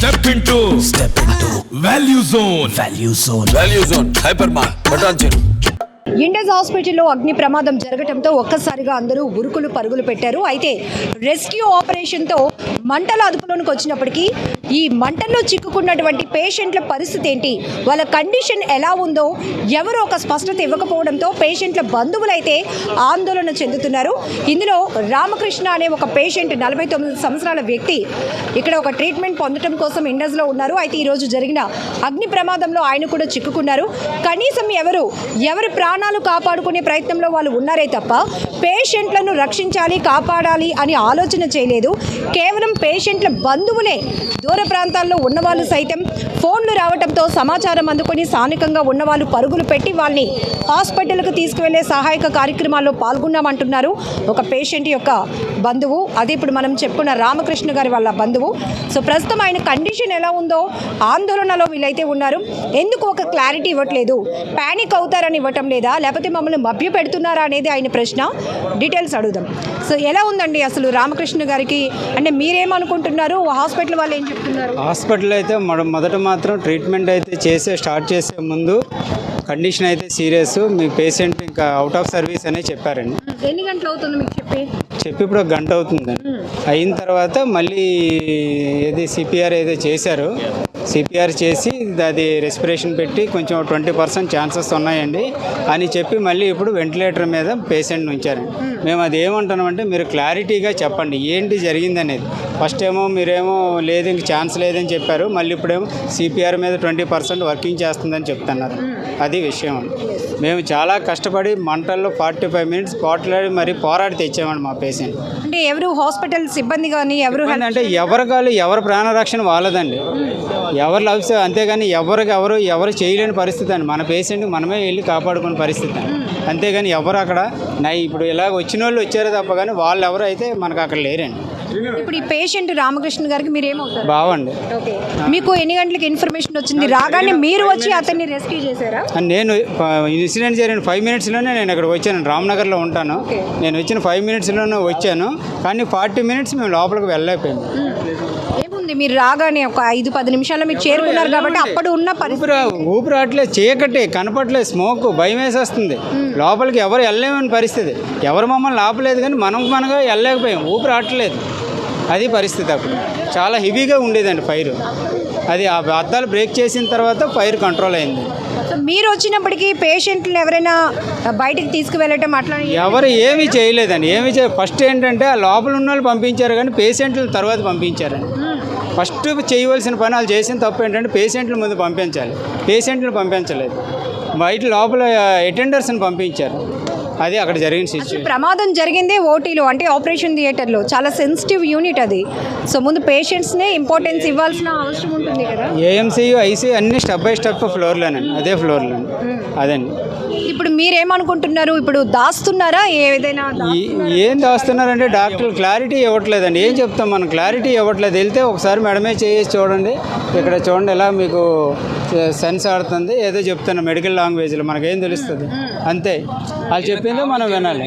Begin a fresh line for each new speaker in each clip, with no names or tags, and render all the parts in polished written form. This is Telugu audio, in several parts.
Step into value zone hyper mart
Indus హాస్పిటల్లో అగ్ని ప్రమాదం జరగడంతో ఒక్కసారిగా అందరూ ఉరుకులు పరుగులు పెట్టారు. అయితే రెస్క్యూ ఆపరేషన్తో మంటల అదుపులోనికి వచ్చినప్పటికీ ఈ మంటల్లో చిక్కుకున్నటువంటి పేషెంట్ల పరిస్థితి ఏంటి, వాళ్ళ కండిషన్ ఎలా ఉందో ఎవరు ఒక స్పష్టత ఇవ్వకపోవడంతో పేషెంట్ల బంధువులైతే ఆందోళన చెందుతున్నారు. ఇందులో రామకృష్ణ అనే ఒక పేషెంట్ 49 సంవత్సరాల వ్యక్తి ఇక్కడ ఒక ట్రీట్మెంట్ పొందడం కోసం ఇండస్లో ఉన్నారు. అయితే ఈరోజు జరిగిన అగ్ని ప్రమాదంలో ఆయన కూడా చిక్కుకున్నారు. కనీసం ఎవరి ప్రాణాలు కాపాడుకునే ప్రయత్నంలో వాళ్ళు ఉన్నారే తప్ప పేషెంట్లను రక్షించాలి, కాపాడాలి అని ఆలోచన చేయలేదు. కేవలం పేషెంట్ల బంధువులే దూర ప్రాంతాల్లో ఉన్నవాళ్ళు సైతం ఫోన్లు రావడంతో సమాచారం అందుకొని స్థానికంగా ఉన్నవాళ్ళు పరుగులు పెట్టి వాళ్ళని హాస్పిటల్కు తీసుకువెళ్లే సహాయక కార్యక్రమాల్లో పాల్గొన్నామంటున్నారు ఒక పేషెంట్ యొక్క బంధువు. అదే ఇప్పుడు మనం చెప్పుకున్న రామకృష్ణ గారి వాళ్ళ బంధువు. సో ప్రస్తుతం ఆయన కండిషన్ ఎలా ఉందో ఆందోళనలో వీళ్ళైతే ఉన్నారు. ఎందుకు ఒక క్లారిటీ ఇవ్వట్లేదు, ప్యానిక్ అవుతారని ఇవ్వటం లేదా, లేకపోతే మమ్మల్ని మభ్య పెడుతున్నారా అనేది ఆయన ప్రశ్న. డీటెయిల్స్ అడుగుదాం. సో ఎలా ఉందండి అసలు రామకృష్ణ గారికి, అంటే మీరేమనుకుంటున్నారు, హాస్పిటల్ వాళ్ళు ఏం చెప్తున్నారు?
హాస్పిటల్ అయితే మొదట మాత్రం ట్రీట్మెంట్ అయితే స్టార్ట్ చేసే ముందు కండిషన్ అయితే సీరియస్, మీ పేషెంట్ ఇంకా అవుట్ ఆఫ్ సర్వీస్ అనే చెప్పారండి.
ఎన్ని గంటలు అవుతుంది మీకు
చెప్పి ఇప్పుడు 1 గంట అవుతుందండి. అయిన తర్వాత మళ్ళీ ఏది సిపిఆర్ ఏదో చేశారు, సిపిఆర్ చేసి అది రెస్పిరేషన్ పెట్టి కొంచెం 20% ఛాన్సెస్ ఉన్నాయండి అని చెప్పి మళ్ళీ ఇప్పుడు వెంటిలేటర్ మీద పేషెంట్ ఉంచారండి. మేము అది ఏమంటున్నామంటే మీరు క్లారిటీగా చెప్పండి ఏంటి జరిగింది అనేది. ఫస్ట్ ఏమో మీరేమో లేదు ఇంక ఛాన్స్ లేదని చెప్పారు, మళ్ళీ ఇప్పుడేమో సిపిఆర్ మీద 20% వర్కింగ్ చేస్తుందని చెప్తున్నారు. అది విషయం. మేము చాలా కష్టపడి మంటల్లో 45 మినిట్స్ పోరాడి తెచ్చామండి మా పేషెంట్.
అంటే ఎవరు హాస్పిటల్ సిబ్బంది కానీ
అంటే ఎవరి ప్రాణరక్షణ వాళ్ళదండి, ఎవరు లవ్స్, అంతేగాని ఎవరు చేయలేని పరిస్థితి అండి. మన పేషెంట్కి మనమే వెళ్ళి కాపాడుకునే పరిస్థితి అండి. అంతేగాని ఎవరు అక్కడ ఇప్పుడు ఇలాగ వచ్చిన వాళ్ళు వచ్చారు తప్ప కానీ వాళ్ళు ఎవరు అయితే మనకు అక్కడ లేరండి.
ఇప్పుడు ఈ పేషెంట్ రామకృష్ణ గారికి మీరేమవుతారు?
బావండి.
మీకు ఎన్ని గంటలకు ఇన్ఫర్మేషన్ వచ్చింది? రాగానే మీరు వచ్చి అతన్ని రెస్క్యూ చేశారా?
నేను ఇన్సిడెంట్ జరిగిన 5 మినిట్స్లోనే నేను ఇక్కడ వచ్చాను. రామ్నగర్లో ఉంటాను. నేను వచ్చిన 5 మినిట్స్లోనే వచ్చాను, కానీ 40 మినిట్స్ మేము లోపలికి వెళ్ళలేకపోయాము.
ఏముంది, మీరు రాగానే ఒక 5-10 నిమిషాల్లో మీరు చేరుకున్నారు కాబట్టి అప్పుడు ఉన్న
ఊపిరి రావట్లేదు, చీకటి కనపట్లేదు, స్మోక్, భయం వేసేస్తుంది. లోపలికి ఎవరు వెళ్ళలేమని పరిస్థితి. ఎవరు మమ్మల్ని ఆపలేదు కానీ మనగా వెళ్ళలేకపోయాం, ఊపిరి రావట్లేదు. అది పరిస్థితి. అప్పుడు చాలా హెవీగా ఉండేదండి ఫైర్. అది ఆ అద్దాలు బ్రేక్ చేసిన తర్వాత ఫైర్ కంట్రోల్ అయింది.
మీరు వచ్చినప్పటికీ పేషెంట్లు ఎవరైనా బయటికి తీసుకువెళ్ళటం అట్లా
ఎవరు ఏమీ చేయలేదండి. ఫస్ట్ ఏంటంటే ఆ లోపల ఉన్న వాళ్ళు పంపించారు కానీ పేషెంట్లు తర్వాత పంపించారండి. ఫస్ట్ చేయవలసిన పని వాళ్ళు చేసిన తప్పు ఏంటంటే పేషెంట్ల ముందు పంపించాలి, పేషెంట్లు పంపించలేదు. బయట లోపల అటెండర్స్ని పంపించారు. అది అక్కడ జరిగిన సిచ్యువేషన్.
ప్రమాదం జరిగిందే ఓటీలో, అంటే ఆపరేషన్ థియేటర్లో. చాలా సెన్సిటివ్ యూనిట్ అది. సో ముందు పేషెంట్స్నే ఇంపార్టెన్స్ ఇవ్వాల్సిన అవసరం ఉంటుంది కదా.
ఏఎంసీయూ, ఐసీయూ అన్ని స్టెప్ బై స్టెప్ ఫ్లోర్లోనండి, అదే ఫ్లోర్లోనే. అదండి.
ఇప్పుడు మీరేమనుకుంటున్నారు? ఇప్పుడు దాస్తున్నారా ఏదైనా?
ఏం దాస్తున్నారంటే డాక్టర్లు క్లారిటీ ఇవ్వట్లేదండి. ఏం చెప్తాం మనం, క్లారిటీ ఇవ్వట్లేదు. వెళ్తే ఒకసారి మేడమే చేసి చూడండి, ఇక్కడ చూడండి ఎలా మీకు సెన్స్ ఆడుతుంది, ఏదో చెప్తున్నా మెడికల్ లాంగ్వేజ్లో, మనకేం తెలుస్తుంది అంతే. వాళ్ళు చెప్పిందో మనం వినాలి.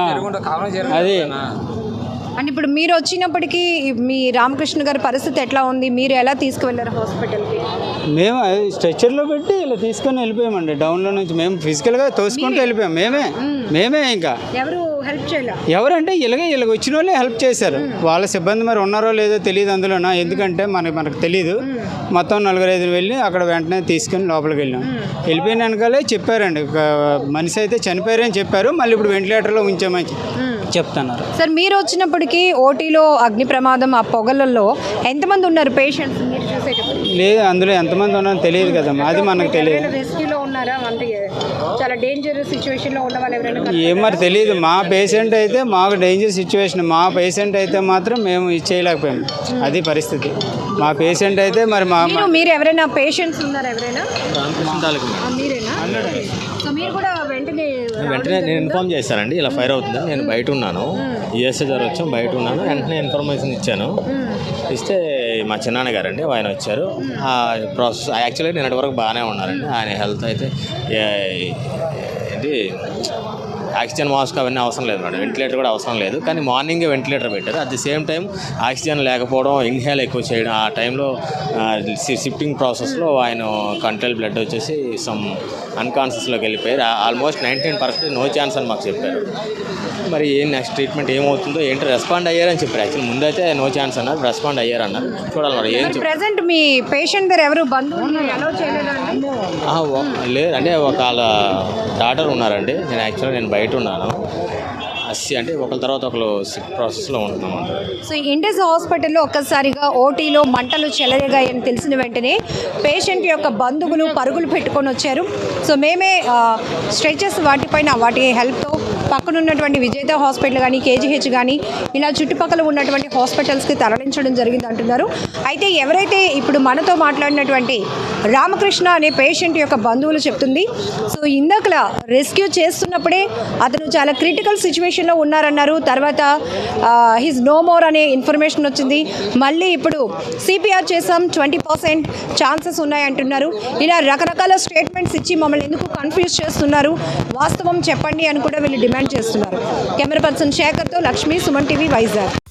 అది
అండ్ ఇప్పుడు మీరు వచ్చినప్పటికీ మీ రామకృష్ణ గారి పరిస్థితి ఎట్లా ఉంది? మీరు ఎలా తీసుకువెళ్ళారు హాస్పిటల్కి?
మేము స్ట్రెచ్చర్లో పెట్టి ఇలా తీసుకొని వెళ్ళిపోయామండి. డౌన్లో నుంచి మేము ఫిజికల్గా తోసుకుంటూ వెళ్ళిపోయాం. మేమే ఇంకా
ఎవరు హెల్ప్ చేయలేదు.
ఎవరంటే ఇలాగ వచ్చిన వాళ్ళే హెల్ప్ చేశారు. వాళ్ళ సిబ్బంది మరి ఉన్నారో లేదో తెలియదు అందులోనా, ఎందుకంటే మనకు తెలియదు. మొత్తం 4-5 వెళ్ళి అక్కడ వెంటనే తీసుకొని లోపలికి వెళ్ళాం. వెళ్ళిపోయిన వెనకాలే చెప్పారండి, మనిషి అయితే చనిపోయారని చెప్పారు. మళ్ళీ ఇప్పుడు వెంటిలేటర్లో ఉంచామని చెప్తున్నారు.
సార్ మీరు వచ్చినప్పటికీ ఓటీలో అగ్ని ప్రమాదం ఆ పొగలలో ఎంతమంది ఉన్నారు పేషెంట్స్?
లేదు, అందులో ఎంతమంది ఉన్నారో తెలియదు కదమ్మా, అది మనకు తెలియదు.
రెస్క్యూలో ఉన్నారా? అంటే చాలా డేంజర్ సిచ్యువేషన్లో ఉన్న వాళ్ళు ఎవరైనా?
ఏం మరి తెలియదు. మా పేషెంట్ అయితే మాకు డేంజర్ సిచ్యువేషన్, మా పేషెంట్ అయితే మాత్రం మేము ఇచ్చేయలేకపోయాము. అది పరిస్థితి. మా పేషెంట్ అయితే మరి
మీరు ఎవరైనా పేషెంట్స్ ఉన్నారా? ఎవరైనా? మీరేనా? సో మీరు కూడా
వెంటనే నేను ఇన్ఫార్మ్ చేశానండి, ఇలా ఫైర్ అవుతుంది. నేను బయట ఉన్నాను, యూఎస్ఏ ద్వారా వచ్చాం, బయట ఉన్నాను. వెంటనే ఇన్ఫర్మేషన్ ఇచ్చాను. ఇస్తే మా చిన్నాన్న గారండి ఆయన వచ్చారు. ఆ ప్రాసెస్ యాక్చువల్గా నిన్నటి వరకు బాగానే ఉన్నారండి. ఆయన హెల్త్ అయితే ఏంటి ఆక్సిజన్ మాస్క్ అవన్నీ అవసరం లేదు మేడం, వెంటిలేటర్ కూడా అవసరం లేదు. కానీ మార్నింగే వెంటిలేటర్ పెట్టారు. At the same time oxygen లేకపోవడం, ఇన్హేల్ ఎక్కువ చేయడం, ఆ టైంలో షిఫ్టింగ్ ప్రాసెస్లో ఆయన కంట్రోల్ బ్లడ్ వచ్చేసి సమ్ అన్కాన్షియస్లోకి వెళ్ళిపోయారు. ఆల్మోస్ట్ 19% నో ఛాన్స్ అని మాకు చెప్పారు. మరి ఏం నెక్స్ట్ ట్రీట్మెంట్ ఏమవుతుందో ఏంటో రెస్పాండ్ అయ్యారని చెప్పారు. యాక్చువల్లీ ముందైతే నో ఛాన్స్ అన్నారు, రెస్పాండ్ అయ్యారన్నారు. చూడాలి మరి ఏం
ప్రెసెంట్ మీ పేషెంట్ దగ్గర ఎవరు బంధువులు ఎలా చేయలేదండి?
లేదు అంటే ఒక వాళ్ళ డాటర్ ఉన్నారండి. నేను బయట ఉన్నాను. అంటే ఒకరి తర్వాత ఒకరు ప్రాసెస్లో ఉంటున్నాం.
సో ఇండస్ హాస్పిటల్లో ఒక్కసారిగా ఓటీలో మంటలు చెలరేగాయని తెలిసిన వెంటనే పేషెంట్ యొక్క బంధువులు పరుగులు పెట్టుకొని వచ్చారు. సో మేమే స్ట్రెచెస్ వాటి హెల్ప్తో పక్కన ఉన్నటువంటి విజేత హాస్పిటల్ కానీ, కేజీహెచ్ కానీ ఇలా చుట్టుపక్కల ఉన్నటువంటి హాస్పిటల్స్కి తరలించడం జరిగింది అంటున్నారు. అయితే ఎవరైతే ఇప్పుడు మనతో మాట్లాడినటువంటి రామకృష్ణ అనే పేషెంట్ యొక్క బంధువులు చెప్తుంది, సో ఇందాకలా రెస్క్యూ చేస్తున్నప్పుడే అతను చాలా క్రిటికల్ సిచ్యువేషన్లో ఉన్నారన్నారు. తర్వాత హిజ్ నో మోర్ అనే ఇన్ఫర్మేషన్ వచ్చింది. మళ్ళీ ఇప్పుడు సిపిఆర్ చేసాం, 20% ఛాన్సెస్ ఉన్నాయంటున్నారు. ఇలా రకరకాల స్టేట్మెంట్స్ ఇచ్చి మమ్మల్ని ఎందుకు కన్ఫ్యూజ్ చేస్తున్నారు, వాస్తవం చెప్పండి అని కూడా వీళ్ళు డిమాండ్ చేస్తున్నారు. కెమెరా పర్సన్ శేఖర్తో లక్ష్మి, సుమన్ టీవీ, వైజాగ్.